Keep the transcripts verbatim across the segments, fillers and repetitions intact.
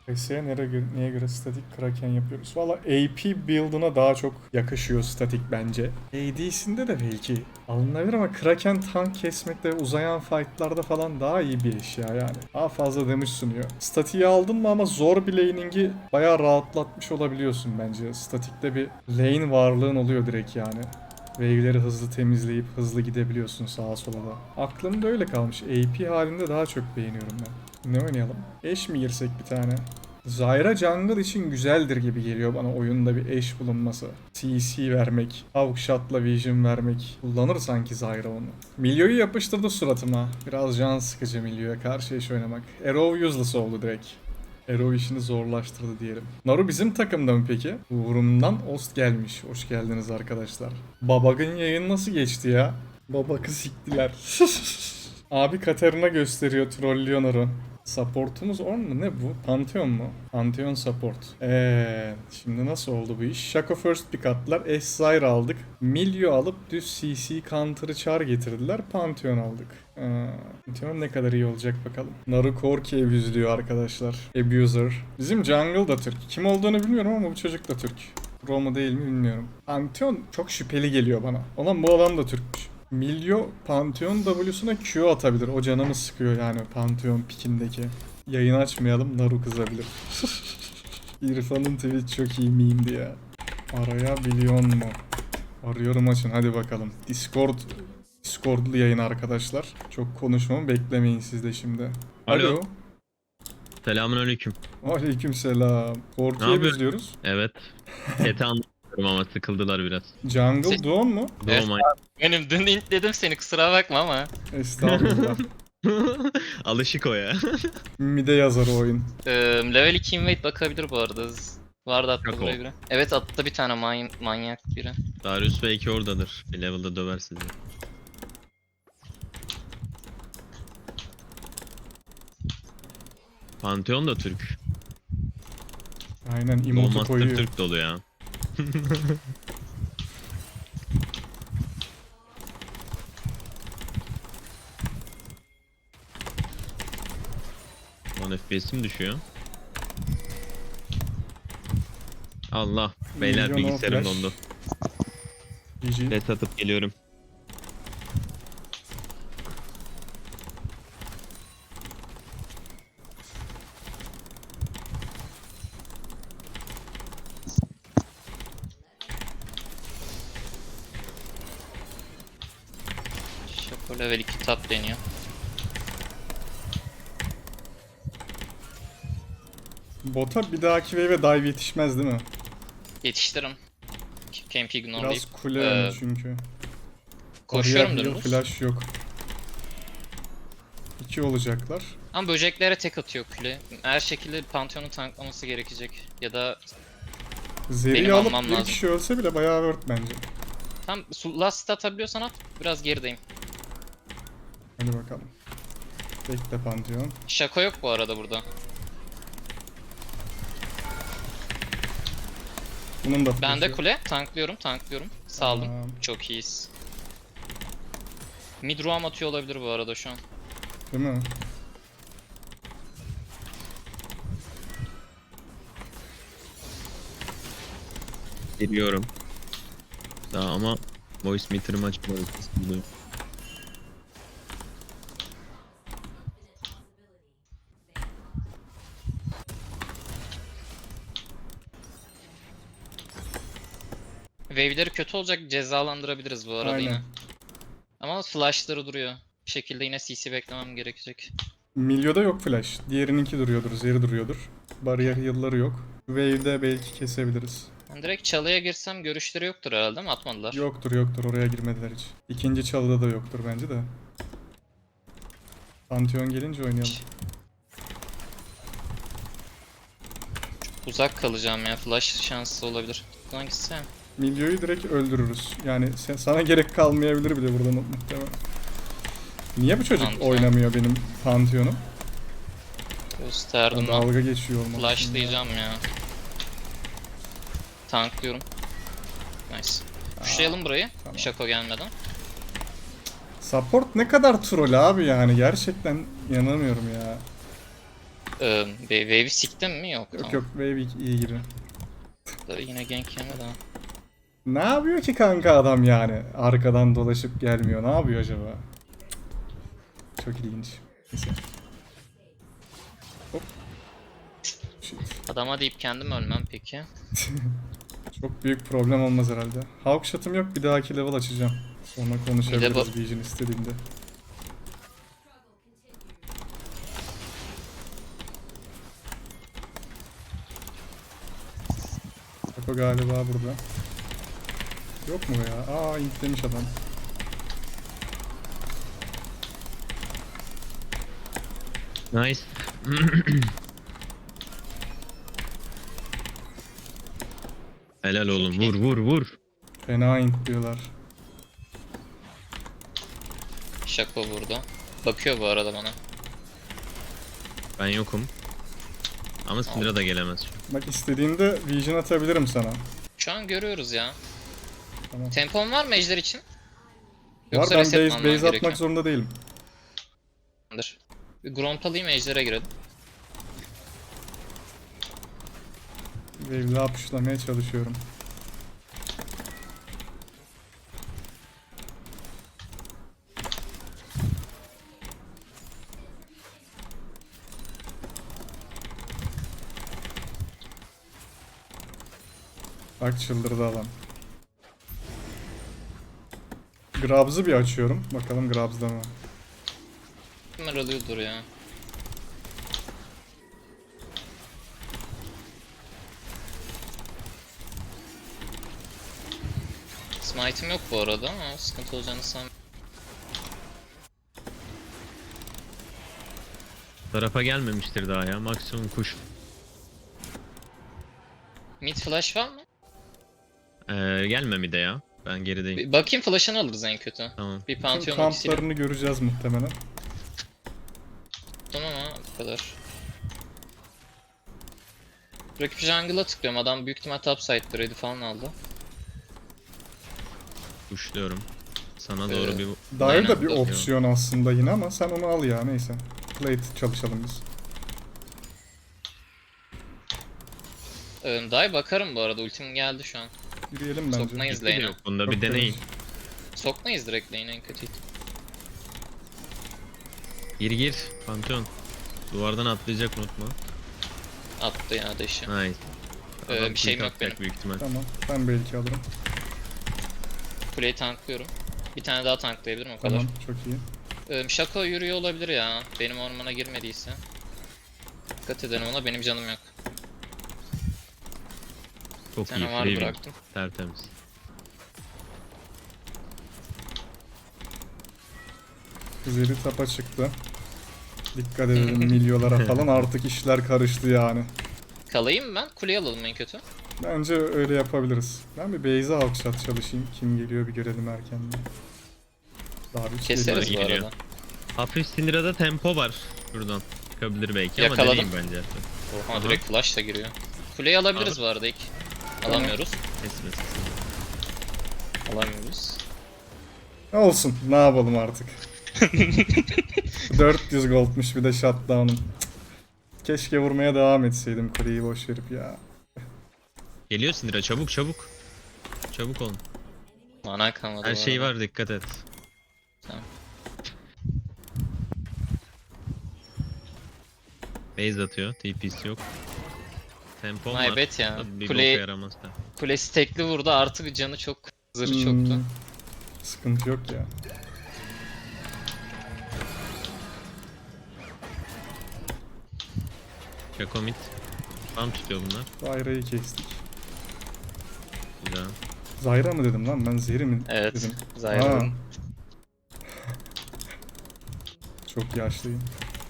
P S'ye nereye göre, neye göre statik Kraken yapıyoruz? Valla A P build'ına daha çok yakışıyor statik bence. A D'sinde de belki alınabilir ama Kraken tank kesmekte, uzayan fight'larda falan daha iyi bir eşya yani. Daha fazla damage sunuyor. Statiği aldın mı ama zor bir laning'i bayağı rahatlatmış olabiliyorsun bence. Statikte bir lane varlığın oluyor direkt yani. Wave'leri hızlı temizleyip hızlı gidebiliyorsun sağa sola da. Aklımda öyle kalmış. A P halinde daha çok beğeniyorum ben. Ne oynayalım? Eş mi girsek bir tane? Zyra jungle için güzeldir gibi geliyor bana oyunda bir eş bulunması. C C vermek, Hawkshot'la vision vermek. Kullanır sanki Zyra onu. Milyo'yu yapıştırdı suratıma. Biraz can sıkıcı Milyo'ya karşı eş oynamak. Arrow useless oldu direkt. Arrow işini zorlaştırdı diyelim. Naru bizim takımda mı peki? Uğurumdan Ost gelmiş. Hoş geldiniz arkadaşlar. Babag'ın yayını nasıl geçti ya? Babak'ı siktiler. Abi Katarina gösteriyor, trollüyor Naru. Supportumuz on mu? Ne bu? Pantheon mu? Pantheon support. Eee, şimdi nasıl oldu bu iş? Shaco first pick attılar. S-Zyra aldık. Milyo alıp düz C C counter'ı char getirdiler. Pantheon aldık. Ee, Pantheon ne kadar iyi olacak bakalım. Naru Korki abuzluyor arkadaşlar. Abuser. Bizim jungle da Türk. Kim olduğunu bilmiyorum ama bu çocuk da Türk. Pro mu değil mi bilmiyorum. Pantheon çok şüpheli geliyor bana. Ulan bu adam da Türkmüş. Milyo Pantheon W'suna Q atabilir. O canımı sıkıyor yani Pantheon pikindeki. Yayın açmayalım, Naru kızabilir. İrfan'ın tweet çok iyi miyimdi ya. Arayabiliyor mu? Arıyorum, açın hadi bakalım. Discord Discord'lu yayın arkadaşlar. Çok konuşmamı beklemeyin siz de şimdi. Alo. Alo. Selamünaleyküm. Aleykümselam. Ne Korku'yu yapıyorsun? izliyoruz. Evet. Chat'i anlatıyorum ama sıkıldılar biraz. Jungle Dawn mu? Evet. Oh my. Benim dün intledim seni, kusura bakma ama. Estağfurullah. Alışık o ya. Mide yazar o oyun. Ee, level iki invade bakabilir bu arada. Vardı attı Yok buraya o. biri. Evet, attı bir tane man manyak biri. Darius belki oradadır. Bir level'da döver sizi. Pantheon da Türk. Aynen No emotu Master koyuyor. Türk dolu ya. Lan F P S'im düşüyor. Allah. Beyler Milyon o bilgisayarım flash. dondu. G G. Net atıp geliyorum. Shaco level iki top deniyor. Bota bir dahaki wave'e dive yetişmez değil mi? Yetiştirim. Camp ignore Biraz deyip. kule Ee, önü çünkü. Koşuyorum Bariyer heal, dümdüz. flash yok. İki olacaklar. Ama böceklere tek atıyor kule. Her şekilde Pantheon'u tanklaması gerekecek. Ya da Zeri Benim alıp almam bir lazım. kişi ölse bile bayağı worth bence. tam su- last atabiliyorsan at. Biraz gerideyim. Hadi bakalım. Bekle Pantheon. Shaco yok bu arada burada. Bunun da Ben de flash'ı. kule. Tanklıyorum, tanklıyorum. Saldım. Tamam. Çok iyiyiz. Mid roam atıyor olabilir bu arada şu an. Değil mi? Geliyorum. Daha ama voice meter'ımı açmadım. Wave'leri kötü olacak, cezalandırabiliriz bu arada Aynen. yine. Ama flash'ları duruyor. Bir şekilde yine C C beklemem gerekecek. Milyo'da yok flash. Diğerininki duruyordur, Zeri duruyordur. Bariyer heal'ları yok. Wave'de belki kesebiliriz. Ben direkt çalıya girsem görüşleri yoktur herhalde, değil mi? Atmadılar. Yoktur yoktur, oraya girmediler hiç. İkinci çalıda da yoktur bence de. Pantheon gelince oynayalım. Uzak kalacağım ya. Flash şansı olabilir. Buradan gitsem. Milyo'yu direkt öldürürüz. Yani sen, sana gerek kalmayabilir bile burada mu- muhtemelen. Niye bu çocuk Pantheon. oynamıyor benim Pantheon'um? Gösterdim ben. Dalga geçiyor olmalısın. Flashlayacağım ya. Tanklıyorum. Nice. Pushlayalım burayı. tamam. Shaco gelmeden. Support ne kadar troll abi yani, gerçekten inanamıyorum ya. Ee, Wave'i siktin mi? Yok. Yok tamam. yok Wave iyi gibi. Da Yine gank yemedi ha. Ne yapıyor ki kanka adam yani? Arkadan dolaşıp gelmiyor. Ne yapıyor acaba? Çok ilginç. Neyse. Hop. Shit. Adama deyip kendim ölmem peki. Çok büyük problem olmaz herhalde. Hawk shot'ım yok. Bir dahaki level açacağım. Sonra konuşabiliriz bu- Vision istediğinde. Bak o galiba burada. Yok mu ya? Aa intlemiş adam. Nice. Helal oğlum. Vur vur vur. Fena intliyorlar. Şako burada. Bakıyor bu arada bana. Ben yokum. Ama Syndra da gelemez. Bak istediğinde Vision atabilirim sana. Şu an görüyoruz ya. Tamam. Tempon var mı ejder için? Var ben reset mi base, almam base atmak gerekiyor? zorunda değilim. Dur. Bir Gromp alayım ejder'e girelim. Wave'le apışlamaya çalışıyorum. Bak çıldırdı adam. Grabs'ı bir açıyorum. Bakalım Grabs'da mı? Kimler alıyordur ya. Smite'im yok bu arada ama sıkıntı olacağını sanmıyorum. Tarafa gelmemiştir daha ya. Maksimum kuş. Mid flash var mı? Ee, gelme mi de ya. Ben gerideyim. Bir bakayım flash'ını alırız en kötü. Tamam. Bir Tüm Pantheon ultisiyle. kamplarını göreceğiz muhtemelen. Tamam ama bu kadar. Rakip jungle'a tıklıyorum. Adam büyük ihtimal topside'dır. Red'i falan aldı. Kuşluyorum. Sana doğru Ee, bir... Dive Aynen, da bir bakıyorum. opsiyon aslında yine ama sen onu al ya neyse. Plate çalışalım biz. Ee, Dive bakarım bu arada. Ultim geldi şu an. Yürüyelim bence. Sokmayız Bir de lane'e. yok. Bunda bir Çok deneyin. temiz. Sokmayız direkt lane'e en kötü. Gir gir. Pantheon. Duvardan atlayacak unutma. Attı ya deşi. Nice. Ee, Adam bir şeyim quick yok atacak benim. büyük ihtimal. Tamam ben belki alırım. Kuleyi tanklıyorum. Bir tane daha tanklayabilirim o kadar. Tamam çok iyi. Ee, Shaco yürüyor olabilir ya. Benim ormana girmediyse. Dikkat edelim ona, benim canım yok. Bir Çok iyi. tane var Free win. bıraktım. Tertemiz. Zeri tapa çıktı. Dikkat edelim milyolara falan artık işler karıştı yani. Kalayım mı ben? Kuleyi alalım en kötü. Bence öyle yapabiliriz. Ben bir base'e alkışlat çalışayım. Kim geliyor bir görelim erkenden. Daha bir şey Keseriz bu geliyor. arada. Hafif Syndra'da tempo var. Şuradan. Çıkabilir belki ama Yakaladım. deneyim bence. Oha Aha. direkt flash da giriyor. Kuleyi alabiliriz bu arada ilk. Alamıyoruz. Kesmesin. Alamıyoruz. Ne olsun ne yapalım artık. dört yüz goldmuş bir de shutdown'um. Cık. Keşke vurmaya devam etseydim kuleyi boş verip ya. Geliyor Syndra, çabuk çabuk. Çabuk olun. Mana kalmadı Her bu şey arada. var, dikkat et. Tamam. Base atıyor. T P'si yok. Tempom My var. bad ya. Tabii bir Kule- boka yaramaz da. Kulesi tekli vurdu, artık canı çok, zırhı Hmm, çoktu. Sıkıntı yok ya. Shaco mid. Tam tutuyor bunlar. Zyra'yı kestik. Güzel. Zyra mı dedim lan ben Zeri mi Evet. dedim. Zyra'nın. Aa. Çok yaşlıyım.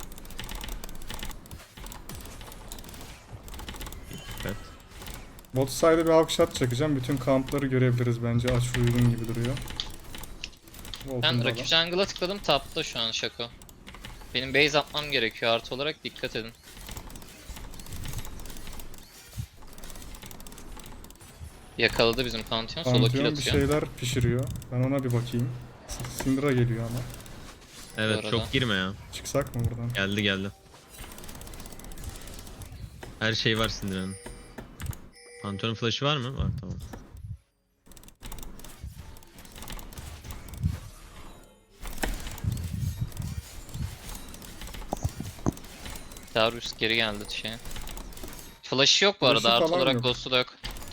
Dikkat. Bot side'e bir halk shot çakacağım. Bütün kampları görebiliriz bence. Aç uygun gibi duruyor. Volkan Ben da rakip jungle'a tıkladım, tapta şu an Shaco. Benim base atmam gerekiyor, artı olarak dikkat edin. Yakaladı bizim Pantheon, solo kill Pantheon bir atıyor. şeyler pişiriyor. Ben ona bir bakayım. S- Syndra geliyor ama. Evet, arada. çok girme ya. Çıksak mı buradan? Geldi geldi. Her şey var Syndra'nın. Pantheon flash'ı var mı? Var, tamam. Darius geri geldi şeye. Flash'ı yok bu Flash'ı arada. Artı falan olarak yok. Ghost'u da yok.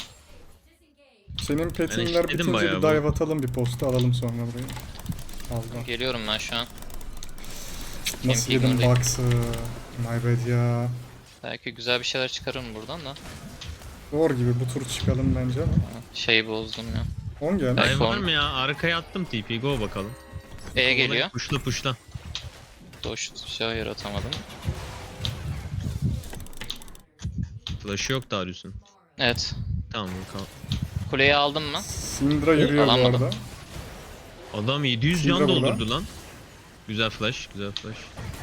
Senin petinler eşitledim bitince bayağı bir bu. dive atalım, bir posta alalım sonra burayı. Allah. Geliyorum ben şu an. Nasıl Camping yedim öyle. box'ı? My bad ya. Belki güzel bir şeyler çıkarırım buradan da. Zor gibi, bu tur çıkalım bence ama. Şeyi bozdum ya. on geldi. Ay, Dive var form- mı ya? Arkaya attım T P. Go bakalım. E geliyor. Puşla puşla. Doş şey yaratamadım. Flash'ı yok Darius'un. Evet. Tamam kal. Kuleyi aldım mı? Syndra yürüyor bu alamadım. arada. Adam yedi yüz Syndra can burada. doldurdu lan. Güzel flash, güzel flash.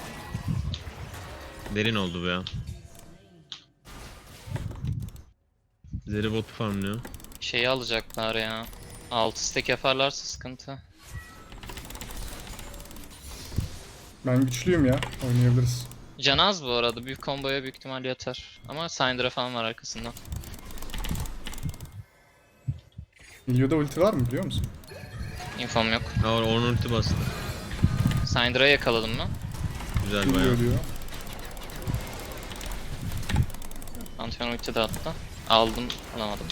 Derin oldu bu ya. Zeri bot farmlıyor. Şeyi alacaklar ya. altı stack yaparlarsa sıkıntı. Ben güçlüyüm ya. Oynayabiliriz. Can az bu arada. Büyük komboya büyük ihtimal yatar. Ama Syndra falan var arkasında. Ilio'da ulti var mı biliyor musun? Infom yok. Ha onun ulti bastı. Syndra'yı yakaladım mı? Güzel bayağı. Ilio diyor. Pantheon ulti de attı. Aldım, alamadım.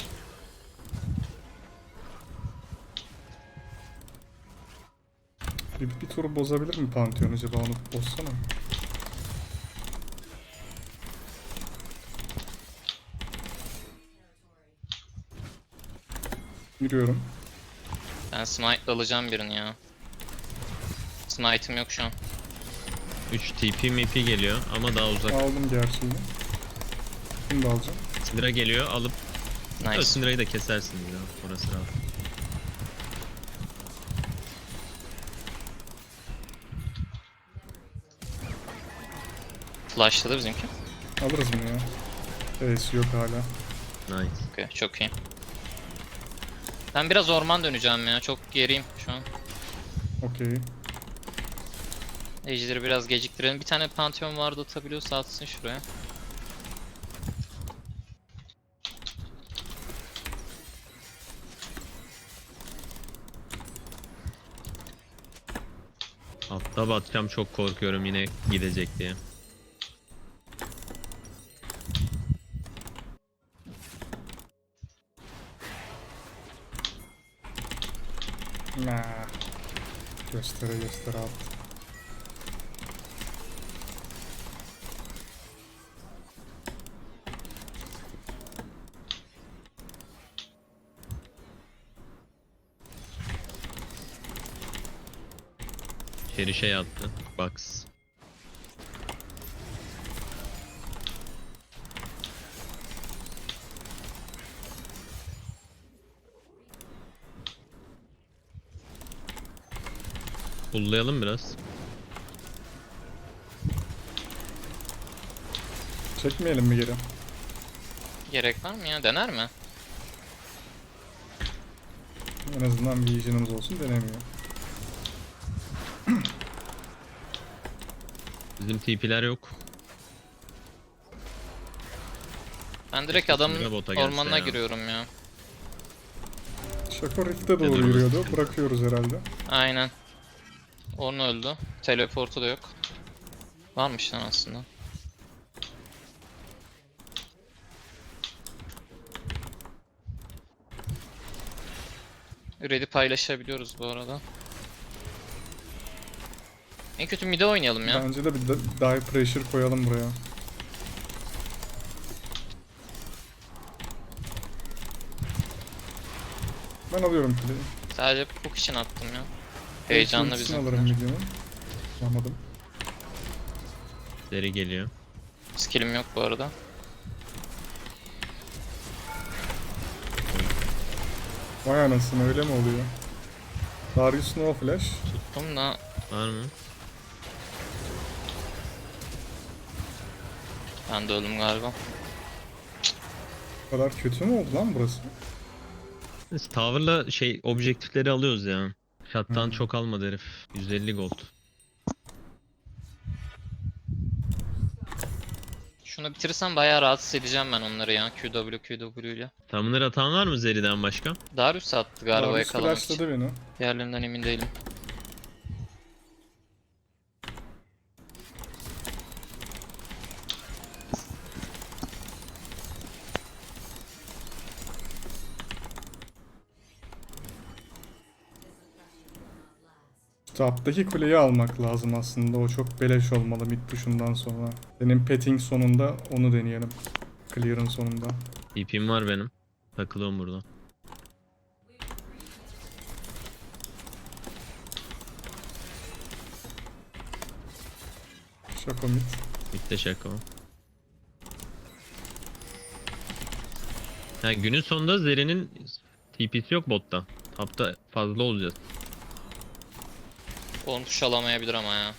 Bir, bir tur bozabilir mi Pantheon acaba, onu bozsana. Yürüyorum. Ben smite alacağım birini ya. Smite'im yok şu an. üç T P M P geliyor ama daha uzak. Aldım gerçeğini. Bunu da alacağım. Syndra geliyor alıp Nice. Syndra'yı da kesersiniz ya. Orası rahat. Flash'ladı bizimki. Alırız bunu ya. Ace yok hala. Nice. Okay, çok iyi. Ben biraz orman döneceğim ya. Çok geriyim şu an. Okey. Ejder'i biraz geciktirelim. Bir tane Pantheon vardı, atabiliyorsa atsın şuraya. Altta batacağım, çok korkuyorum yine gidecek diye. Nah. Göstere göstere at. İçeri şey attı. Box. Pullayalım biraz. Çekmeyelim mi geri? Gerek var mı ya? Dener mi? En azından bir vision'ımız olsun, denemiyor. Bizim T P'ler yok. Ben direkt Keşke adamın Syndra bota gelse ormanına ya. giriyorum ya. Shaco Rift'e doğru durması yürüyordu. sıkıntı. Bırakıyoruz herhalde. Aynen. Onu öldü. Teleportu da yok. Varmış lan aslında. Red'i paylaşabiliyoruz bu arada. En kötü mid'e oynayalım ya. Bence de bir de dive pressure koyalım buraya. Ben alıyorum kuleyi. Sadece hook için attım ya. Heyecanlı Ultisini bizim. alırım videonun. Almadım. Zeri geliyor. Skill'im yok bu arada. Vay anasını, öyle mi oluyor? Darius no flash. Tuttum da Var mı? ben de öldüm galiba. Bu kadar kötü mü oldu lan burası? Biz Tower'la şey objektifleri alıyoruz ya. Shot'tan Hmm. çok almadı herif. yüz elli gold. Şunu bitirirsem bayağı rahatsız edeceğim ben onları ya. Q W Q W ile. Summoner atan var mı Zeri'den başka? Darius attı galiba Darius yakalamak için. flashladı beni. Diğerlerinden emin değilim. Top'taki kuleyi almak lazım aslında. O çok beleş olmalı mid push'undan sonra. Benim petting sonunda onu deneyelim. Clear'ın sonunda. D P'm var benim. Takılıyorum burada. Şako mid. Bitti şaka o. Ha, günün sonunda Zeri'nin T P'si yok botta. Tapta fazla olacağız. Onu push alamayabilir ama ya.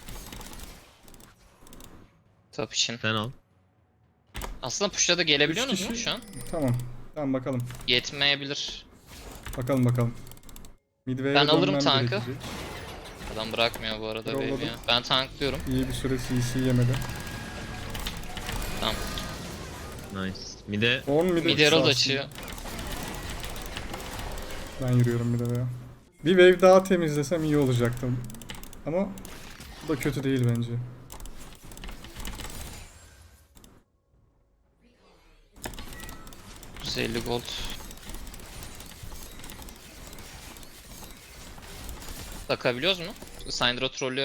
Top için. Sen al. Aslında push'a da gelebiliyor Üç musunuz mu kişi- şu an? Tamam. Tamam bakalım. Yetmeyebilir. Bakalım bakalım. Midway'e Ben alırım dönmem tankı. gerekecek. Adam bırakmıyor bu arada Yolladım. baby ya. Ben tanklıyorum. İyi bir süre C C yemedi. Tamam. Nice. Mide Orn mid'e Mid herald aslında. açıyor. Ben yürüyorum mid'e ya. Bir wave daha temizlesem iyi olacaktı. Ama bu da kötü değil bence. yüz elli gold. Takabiliyoruz mu? Syndra trollüyor.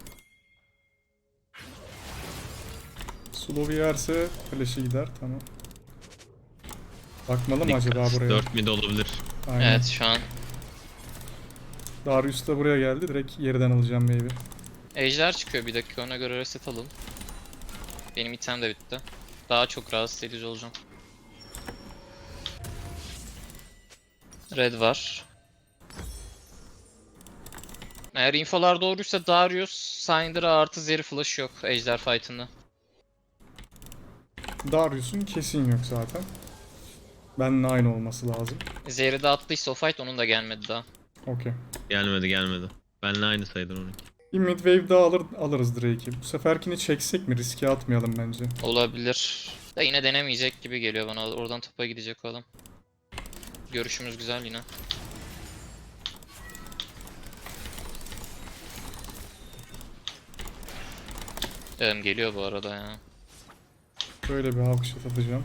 Slow yerse flash'i gider tamam. Bakmalı mı dikkat. acaba buraya? dört mid olabilir. Aynen. Evet şu an. Darius da buraya geldi. Direkt yerden alacağım wave'i. Ejder çıkıyor bir dakika ona göre reset alalım. Benim item de bitti. Daha çok rahatsız edici olacağım. Red var. Eğer infolar doğruysa Darius, Syndra artı Zeri flash yok Ejder fight'ında. Darius'un kesin yok zaten. Benimle aynı olması lazım. Zeri de attıysa o fight onun da gelmedi daha. Okey. Gelmedi gelmedi. Benle aynı sayıdır onunki. Bir mid wave daha alır, alırız Drake'i. Bu seferkini çeksek mi? Riske atmayalım bence. Olabilir. Da yine denemeyecek gibi geliyor bana. Oradan topa gidecek o adam. Görüşümüz güzel yine. Evet, geliyor bu arada ya. Böyle bir halk shot atacağım.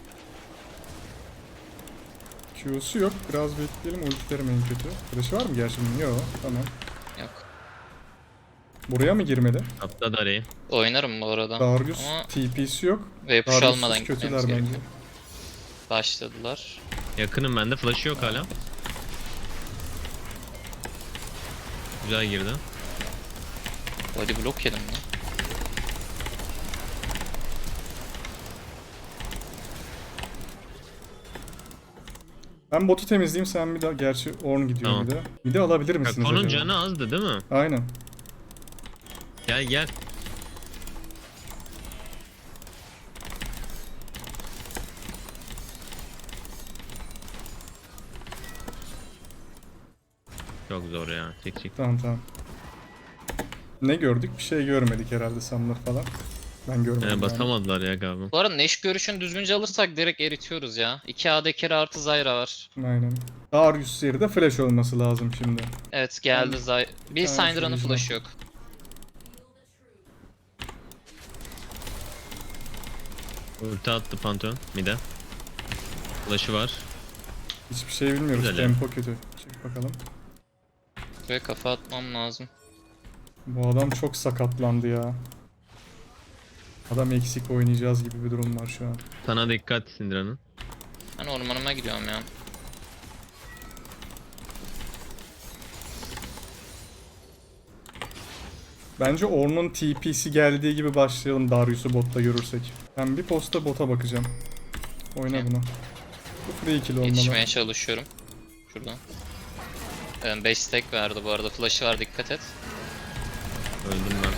Q'su yok. Biraz bekleyelim. Ultilerim en kötü. Flash'ı var mı gerçi bunun? Yok. Tamam. Yok. Buraya mı girmedi? Tapta Dare'yi. Oynarım bu arada. Darius Ama T P'si yok. ve push Darius'suz almadan kötüler gitmemiz bence. gerekiyor. Başladılar. Yakınım bende. Flash'ı yok hala. Güzel girdi. Body block yedim lan. Ben botu temizleyeyim sen bir daha. Gerçi Ornn gidiyor Tamam. bir de. Bir de alabilir misiniz Kako'nun acaba? canı azdı değil mi? Aynen. Gel gel. Çok zor ya. Çek çek. Tamam tamam. Ne gördük? Bir şey görmedik herhalde Summoner falan. Ben görmedim. Ee, yani. basamadılar ya galiba. Bu arada Neş görüşünü düzgünce alırsak direkt eritiyoruz ya. iki A D carry artı Zyra var. Aynen. Darius yeri de flash olması lazım şimdi. Evet geldi Zy... Bir Tamam, Syndra'nın şunu flash'ı yok. Ulti attı Pantheon. Mide. Flash'ı var. Hiçbir şey bilmiyoruz. Güzel ya. Tempo kötü. Çık bakalım. Ve kafa atmam lazım. Bu adam çok sakatlandı ya. Adam eksik oynayacağız gibi bir durum var şu an. Sana dikkat Syndra'nın. Ben ormanıma gidiyorum ya. Bence Ornn'un T P'si geldiği gibi başlayalım Darius'u botta görürsek. Ben bir posta bota bakacağım. Oyna Okey. bunu. Bu free kill olmalı. Yetişmeye çalışıyorum. Şuradan. beş stack verdi bu arada. Flash'ı var dikkat et. Öldüm ben.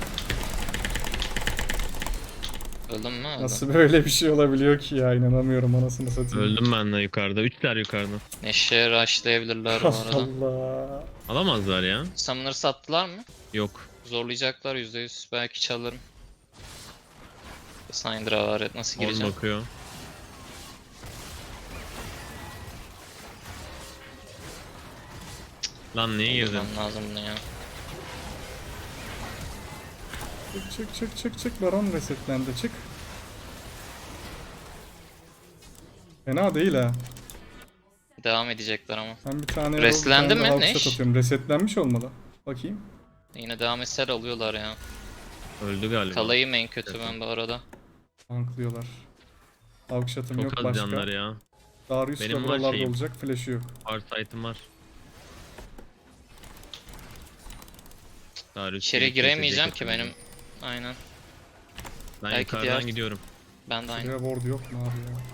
Öldün mü? Öldüm. Nasıl böyle bir şey olabiliyor ki ya, inanamıyorum anasını satayım. Öldüm ben de yukarıda. Üçler yukarıda. Neşe rushlayabilirler bu arada. Allah. Alamazlar ya. Summoner sattılar mı? Yok. Zorlayacaklar yüzde yüz. Belki çalarım. Syndra var, nasıl On gireceğim? bakıyor. Lan niye girdin? Girmem lazım bunu ya. Çık çık çık çık çık. Baron resetlendi. Çık. Fena değil ha. Devam edecekler ama. Ben bir tane Resetlendi bir tane mi? halk Ne shot iş? atıyorum. Resetlenmiş olmalı. Bakayım. Yine devam etseler alıyorlar ya. Öldü galiba. Kalayım en kötü ben bu arada. Tanklıyorlar. Halk shot'ım Çok yok az başka. canları ya. Darius da Benim var buralarda şeyim. olacak. Flash'ı yok. Farsight'ım var. Darius İçeri beni giremeyeceğim kesecek ki hepimizi. benim. Aynen. Ben belki yukarıdan diğer- gidiyorum. Ben de aynı. Şuraya ward yok mu abi ya?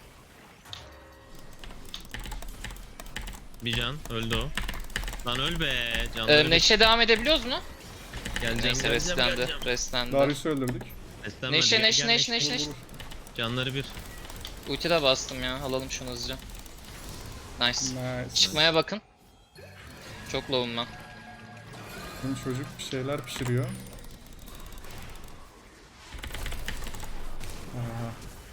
Bir can. Öldü o. Lan öl be. Canları Ee, bir- Neşe devam edebiliyoruz mu? Geleceğim, Neyse geleceğim, restlendi. geleceğim. Restlendi. Darius'u öldürdük. Beslenme, Neşe gel, neş gel, neş neş. neş neş. Vur, vur. Canları bir. Ulti de bastım ya. Alalım şunu hızlıca. Nice. Nice. Çıkmaya bakın. Çok low'um ben. Bizim çocuk bir şeyler pişiriyor. Aa.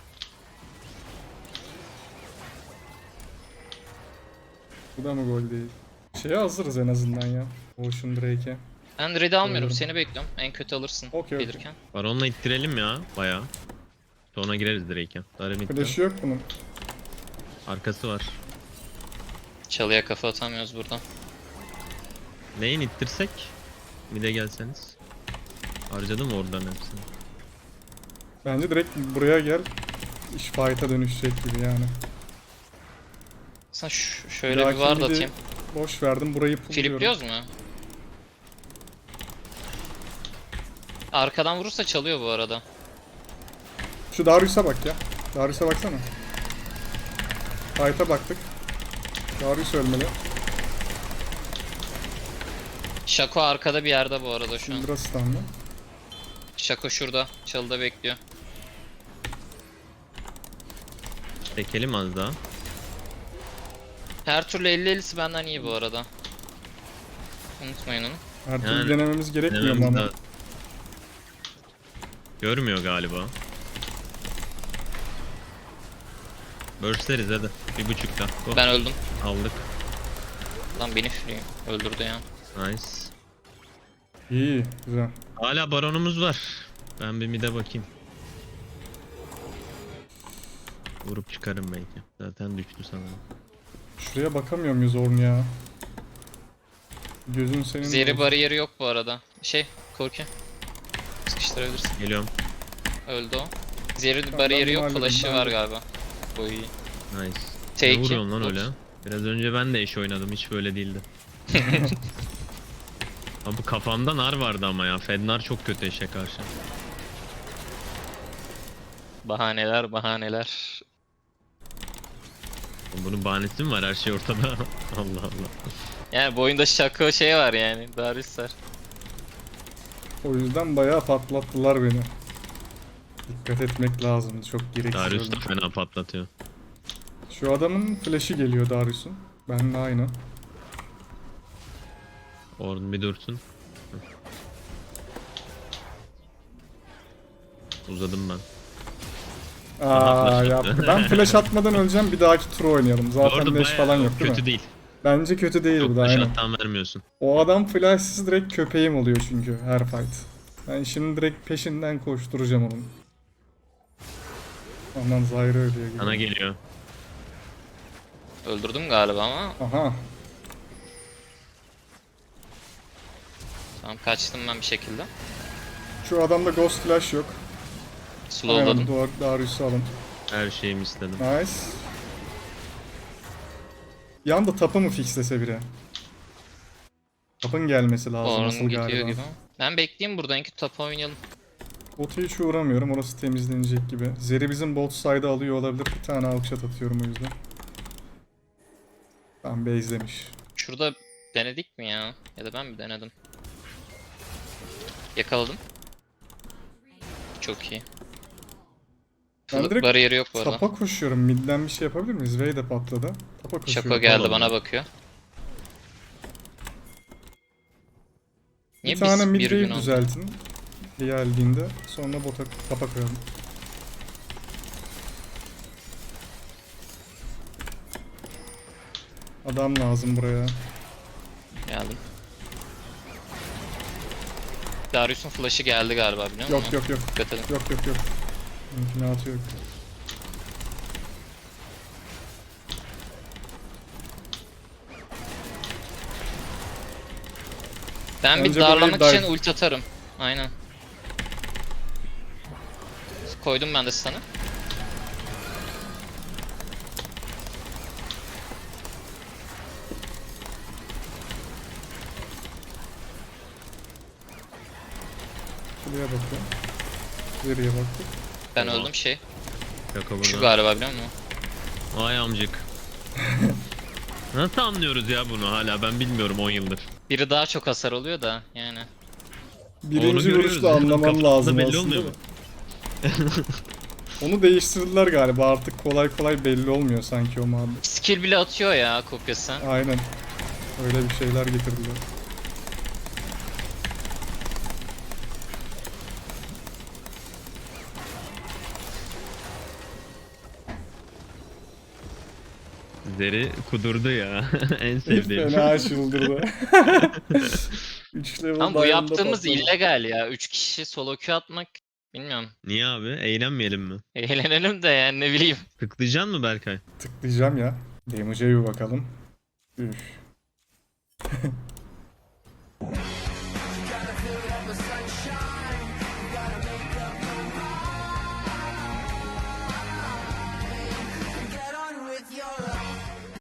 Bu da mı gol değil? Şeye hazırız en azından ya. Ocean Drake'e. Ben red'i almıyorum. Görüyorum. Seni bekliyorum. En kötü alırsın Okey, okey. gelirken. Baron'la ittirelim ya. Bayağı. Sonra gireriz direkt ya. Darım itti. Flash'ı yok bunun. Arkası var. Çalıya kafa atamıyoruz buradan. Neyin ittirsek? Mid'e gelseniz. Harcadım oradan hepsini. Bence direkt buraya gel. İş fight'a dönüşecek gibi yani. Sen ş- şöyle Belki bir ward bir de atayım. Boş verdim burayı pulluyorum. Filipliyoruz mu? Arkadan vurursa çalıyor bu arada. Şu Darius'a bak ya. Darius'a baksana. Fight'a baktık. Darius ölmeli. Shaco arkada bir yerde bu arada şu an. Syndra stun'lı. Shaco şurada. Çalıda bekliyor. Çekelim az daha. Her türlü elli ellisi benden iyi bu arada. Unutmayın onu. Her türlü Yani, denememiz gerekmiyor mu Denememiz ama? daha- Görmüyor galiba. Bursleriz hadi. Bir buçukta. Oh, Ben öldüm. aldık. Lan beni free öldürdü ya. Nice. İyi, güzel. Hala baronumuz var. Ben bir mid'e bakayım. Vurup çıkarım belki. Zaten düştü sanırım. Şuraya bakamıyor muyuz Orn ya? Gözün senin. Zeri olsun. bariyeri yok bu arada. Şey, Korki. Sıkıştırabilirsin. Geliyorum. Öldü o. Zeri Tamam, bariyeri ben yok, halledeyim, flash'ı ben var halledeyim. galiba. Bu iyi. Nice. T Ne iki. vuruyorsun lan Dur. öyle? Biraz önce ben de eş oynadım. Hiç böyle değildi. Abi kafamda nar vardı ama ya. Fednar çok kötü eşe karşı. Bahaneler, bahaneler. Bunun bahanesi mi var? Her şey ortada. Allah Allah. Yani bu oyunda Shaco şey var yani. Darius var. O yüzden bayağı patlattılar beni. Dikkat etmek lazım. Çok gereksiz. Darius da öldüm. fena patlatıyor. Şu adamın flash'i geliyor Darius'un. Benimle aynı. Orada bir dursun. Uzadım ben. Aa flash ya attı. ben flash atmadan öleceğim. Bir dahaki tur oynayalım. Bu arada Zaten leş bayağı falan yok değil kötü mi? değil. Bence kötü değil bu Çok da da aynen. shutdown vermiyorsun. O adam flashsız direkt köpeğim oluyor çünkü her fight. Ben şimdi direkt peşinden koşturacağım onun. Aman Zyra ölüyor gibi. Sana geliyor. Öldürdüm galiba ama. Aha. Tamam, kaçtım ben bir şekilde. Şu adamda ghost flash yok. Slowladım. Aynen, Dar- Darius'u alın. Her şeyimi istedim. Nice. Yanda tapı mı fixlese biri? Tapın gelmesi lazım Orun asıl gidiyor galiba. gibi. Ben bekleyeyim burada. En kötü tapa oynayalım. Bot'a hiç uğramıyorum. Orası temizlenecek gibi. Zeri bizim bot side'ı alıyor olabilir. Bir tane outshot atıyorum o yüzden. Tamam base'lemiş. Şurada denedik mi ya? Ya da ben mi denedim? Yakaladım. Çok iyi. Ben Fl- direkt bariyeri yok bu arada. Tapa koşuyorum. Mid'den bir şey yapabilir miyiz? Vey de patladı. Tapa koşuyorum. Shaco geldi Tamam. bana bakıyor. Niye Bir tane biz mid bir wave gün oldu? düzeltin. Geldiğinde sonra bota tapa koyalım. Adam lazım buraya. Geldim. Darius'un flash'ı geldi galiba biliyor musun? Yok yok yok. Dikkat edin. Yok yok yok. İmkanatı yok. Ben Bence bir darlamak burayı için dive- ulti atarım. Aynen. Koydum ben de sana. Şuraya bakıyorum. Nereye baktık? Ben Tamam. öldüm şey. Şaka Şu burada. galiba biliyor musun? Vay amcık. Nasıl anlıyoruz ya bunu hala ben bilmiyorum on yıldır. Biri daha çok hasar oluyor da yani. Birinci görüyoruz vuruşta ya, anlaman kafasında lazım belli aslında. olmuyor mu? Onu değiştirdiler galiba, artık kolay kolay belli olmuyor sanki o muhabbet. Skill bile atıyor ya kopyası. Aynen. Öyle bir şeyler getirdiler. Zeri kudurdu ya. En sevdiğim. Fena çıldırdı. üç level Ama bu diamond'a yaptığımız patladı. illegal ya. üç kişi solo queue atmak bilmiyorum. Niye abi? Eğlenmeyelim mi? Eğlenelim de yani ne bileyim. Tıklayacaksın mı Berkay? Tıklayacağım ya. Damage'e bir bakalım. Üf.